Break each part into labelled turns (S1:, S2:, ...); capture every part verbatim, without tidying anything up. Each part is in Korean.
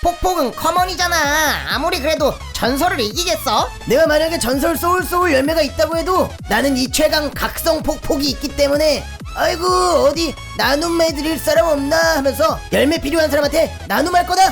S1: 폭폭은 커먼이잖아. 아무리 그래도 전설을 이기겠어?
S2: 내가 만약에 전설 소울 소울 열매가 있다고 해도 나는 이 최강 각성 폭폭이 있기 때문에 아이고 어디 나눔해 드릴 사람 없나 하면서 열매 필요한 사람한테 나눔할 거다.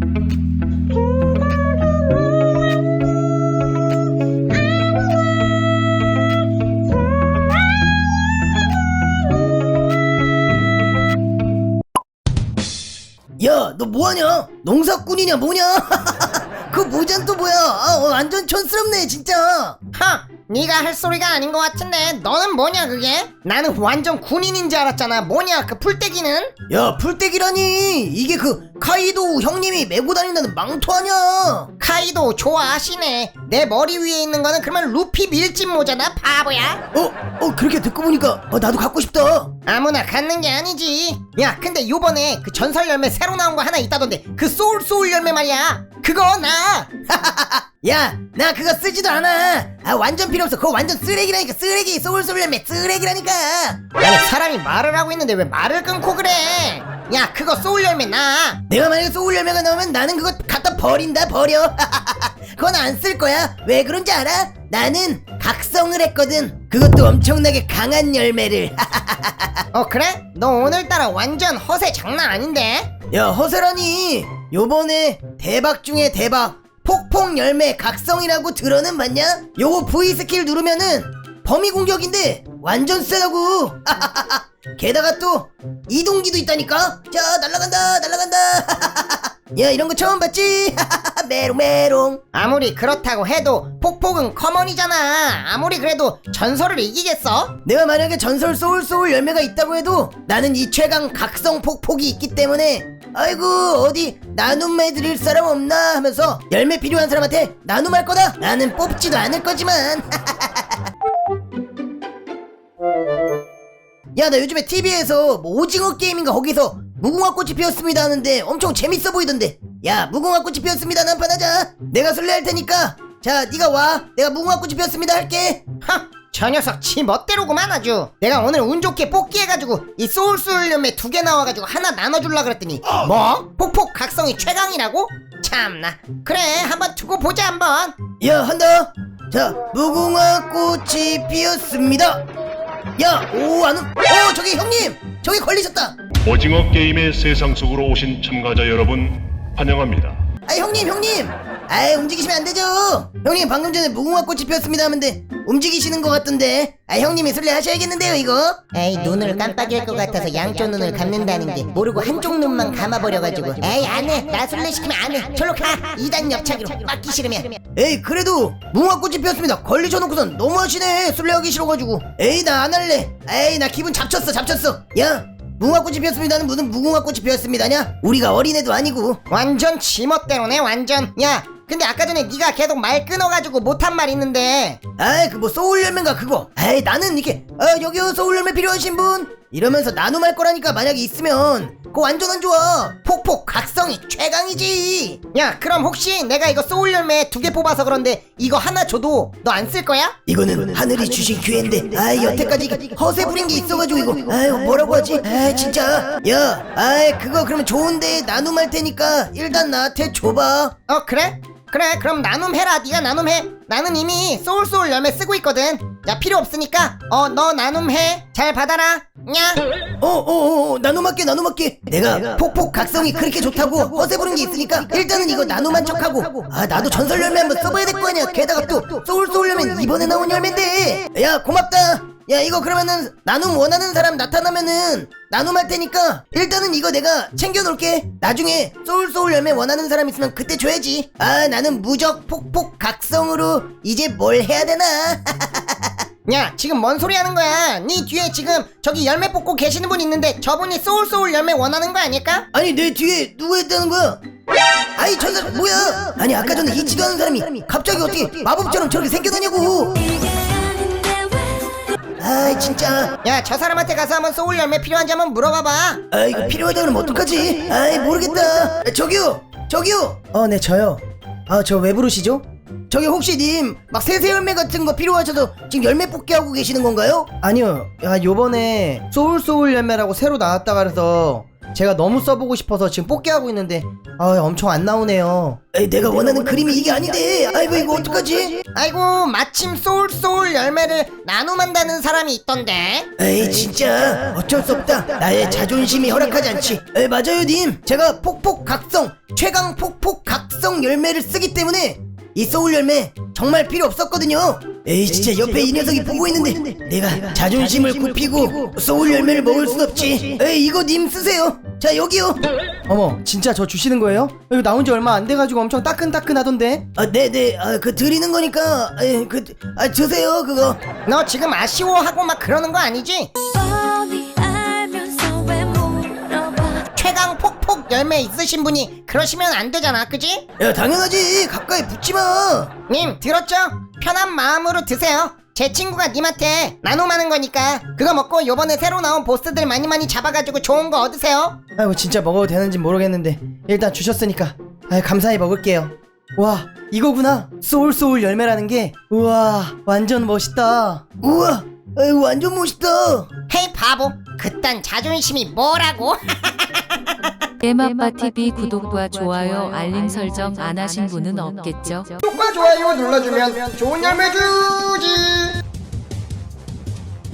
S2: 야, 너 뭐하냐? 농사꾼이냐 뭐냐? 그 모자는 또 뭐야? 아, 어, 완전 촌스럽네 진짜.
S1: 하! 네가 할 소리가 아닌 것 같은데 너는 뭐냐 그게? 나는 완전 군인인 줄 알았잖아. 뭐냐 그 풀떼기는?
S2: 야, 풀떼기라니 이게 그 카이도 형님이 메고 다닌다는 망토 아냐?
S1: 카이도 좋아하시네. 내 머리 위에 있는 거는 그러면 루피 밀짚 모자다 바보야.
S2: 어? 어 그렇게 듣고 보니까 어, 나도 갖고 싶다.
S1: 아무나 갖는 게 아니지. 야 근데 요번에 그 전설 열매 새로 나온 거 하나 있다던데 그 소울 소울 열매 말이야. 그거 나.
S2: 야, 나 그거 쓰지도 않아. 아, 완전 필요 없어. 그거 완전 쓰레기라니까. 쓰레기. 소울 소울 열매 쓰레기라니까.
S1: 아니 사람이 말을 하고 있는데 왜 말을 끊고 그래? 야 그거 소울 열매 나.
S2: 내가 만약에 소울 열매가 나오면 나는 그거 갖다 버린다. 버려. 그건 안 쓸 거야. 왜 그런지 알아? 나는 각성을 했거든. 그것도 엄청나게 강한 열매를.
S1: 어 그래? 너 오늘따라 완전 허세 장난 아닌데?
S2: 야, 허세라니. 요번에 대박 중에 대박 폭폭 열매 각성이라고 들어는 봤냐? 요거 V 스킬 누르면은 범위 공격인데 완전 세다고. 게다가 또 이동기도 있다니까. 자, 날아간다 날아간다. 야, 이런 거 처음 봤지? 메롱 메롱.
S1: 아무리 그렇다고 해도 폭폭은 커먼이잖아. 아무리 그래도 전설을 이기겠어?
S2: 내가 만약에 전설 소울 소울 열매가 있다고 해도 나는 이 최강 각성 폭폭이 있기 때문에 아이고 어디 나눔해 드릴 사람 없나 하면서 열매 필요한 사람한테 나눔할 거다. 나는 뽑지도 않을 거지만. 야, 나 요즘에 티비에서 뭐 오징어 게임인가 거기서 무궁화꽃이 피었습니다 하는데 엄청 재밌어 보이던데. 야, 무궁화꽃이 피었습니다 한판 하자. 내가 술래할 테니까 자 네가 와. 내가 무궁화꽃이 피었습니다 할게.
S1: 하! 저 녀석 지 멋대로구만 아주. 내가 오늘 운 좋게 뽑기 해가지고 이 소울 소울 열매 두 개 나와가지고 하나 나눠줄라 그랬더니 뭐? 폭폭 각성이 최강이라고? 참나. 그래 한번 두고 보자 한번.
S2: 야, 한다. 자, 무궁화꽃이 피었습니다. 야, 오, 안, 오, 저기 형님, 저기 걸리셨다.
S3: 오징어 게임의 세상 속으로 오신 참가자 여러분 환영합니다.
S2: 아, 형님, 형님. 아이, 움직이시면 안 되죠. 형님 방금 전에 무궁화꽃이 피었습니다 하는데 움직이시는 것 같던데. 아, 형님이 술래 하셔야겠는데요 이거.
S1: 에이 눈을 깜빡일 것 같아서 양쪽 눈을 감는다는 게 모르고 한쪽 눈만 감아버려가지고. 에이 안해. 나 술래 시키면 안해. 절로 가. 이단 옆차기로. 맞기 싫으면.
S2: 에이, 그래도 무궁화꽃이 피었습니다 걸리셔놓고선 너무하시네. 술래하기 싫어가지고. 에이, 나 안 할래. 에이, 나 기분 잡쳤어 잡쳤어. 야, 무궁화꽃이 피었습니다는 무슨 무궁화꽃이 피었습니다냐? 우리가 어린애도 아니고.
S1: 완전 지멋대로네 완전. 야 근데 아까 전에 네가 계속 말 끊어가지고 못한 말 있는데.
S2: 아이, 그 뭐 소울 열매인가 그거. 아이, 나는 이렇게 아, 여기요 소울 열매 필요하신 분 이러면서 나눔할 거라니까. 만약에 있으면 그거 완전 안 좋아. 폭폭 각성이 최강이지.
S1: 야 그럼 혹시 내가 이거 소울 열매 두 개 뽑아서 그런데 이거 하나 줘도 너 안 쓸 거야?
S2: 이거는 하늘이 주신 기회인데 아이, 여태까지 이거 허세 부린 게 있어가지고 이거 아이, 뭐라고 하지? 아이, 진짜. 야, 아이, 그거 그러면 좋은데 나눔할 테니까 일단 나한테 줘봐.
S1: 어 그래? 그래 그럼 나눔해라. 네가 나눔해. 나는 이미 소울 소울 열매 쓰고 있거든. 야 필요 없으니까 어 너 나눔해. 잘 받아라. 냐.
S2: 어어어, 나눔할게 나눔할게. 내가 폭폭 각성이 그렇게 좋다고 허세 부른 게 있으니까 일단은 이거 나눔한 척하고. 아, 나도 전설 열매 한번 써봐야 될 거 아니야. 게다가 또 소울 소울 열매는 이번에 나온 열매인데. 야, 고맙다. 야, 이거 그러면은 나눔 원하는 사람 나타나면은 나눔할 테니까 일단은 이거 내가 챙겨놓을게. 나중에 소울 소울 열매 원하는 사람 있으면 그때 줘야지. 아, 나는 무적 폭폭 각성으로 이제 뭘 해야 되나.
S1: 야 지금 뭔 소리 하는 거야? 네 뒤에 지금 저기 열매 뽑고 계시는 분 있는데 저분이 소울 소울 열매 원하는 거 아닐까?
S2: 아니, 내 뒤에 누가 있다는 거야? 아이, 저 사람 뭐야? 아니, 아까 전에 잊지도 않은 사람이 갑자기 어떻게 마법처럼 저렇게 생겨나냐고. 아이, 진짜.
S1: 야 저 사람한테 가서 한번 소울 열매 필요한지 한번 물어봐봐.
S2: 아, 이거 필요하다 그러면 어떡하지? 아이, 모르겠다. 저기요 저기요. 어, 네, 저요. 아, 저 왜 부르시죠? 저기 혹시 님 막 세세 열매 같은 거 필요하셔서 지금 열매 뽑기 하고 계시는 건가요?
S4: 아니요. 야, 요번에 소울 소울 열매라고 새로 나왔다 그래서
S2: 제가 너무 써보고 싶어서 지금 뽑기하고 있는데 아 엄청 안 나오네요. 에이, 내가 원하는 그림이 이게 아닌데. 아이고 이거 어떡하지?
S1: 아이고 마침 소울소울 열매를 나눔한다는 사람이 있던데.
S2: 에이 진짜 어쩔 수 없다. 나의 자존심이 허락하지 않지. 에이 맞아요 님. 제가 폭폭각성 최강 폭폭각성 열매를 쓰기 때문에 이 소울 열매 정말 필요 없었거든요. 에이 진짜 옆에 이 녀석이 보고 있는데 내가 자존심을 굽히고 소울 열매를 먹을 순 없지. 에이 이거 님 쓰세요. 자 여기요.
S4: 어머 진짜 저 주시는 거예요? 이거 나온 지 얼마 안 돼가지고 엄청 따끈따끈하던데.
S2: 아 네네 아 그 드리는 거니까 에이 그아 주세요 그거.
S1: 너 지금 아쉬워하고 막 그러는 거 아니지?
S5: 뻔히 알면서 왜 물어봐.
S1: 최강 폭폭 열매 있으신 분이 그러시면 안 되잖아, 그지?
S2: 야 당연하지 가까이 붙지 마.
S1: 님 들었죠? 편한 마음으로 드세요. 제 친구가 님한테 나눔하는 거니까 그거 먹고 요번에 새로 나온 보스들 많이 많이 잡아가지고 좋은 거 얻으세요.
S4: 아이고 진짜 먹어도 되는지 모르겠는데 일단 주셨으니까 아 감사히 먹을게요. 와 이거구나 소울소울 열매라는 게. 우와 완전 멋있다.
S2: 우와 에이, 완전 멋있다.
S1: 헤이 바보, 그딴 자존심이 뭐라고?
S6: 에마빠티비 구독과 좋아요 알림 설정 안 하신 분은 없겠죠?
S1: 구독과 좋아요 눌러주면 좋은 열매 주지.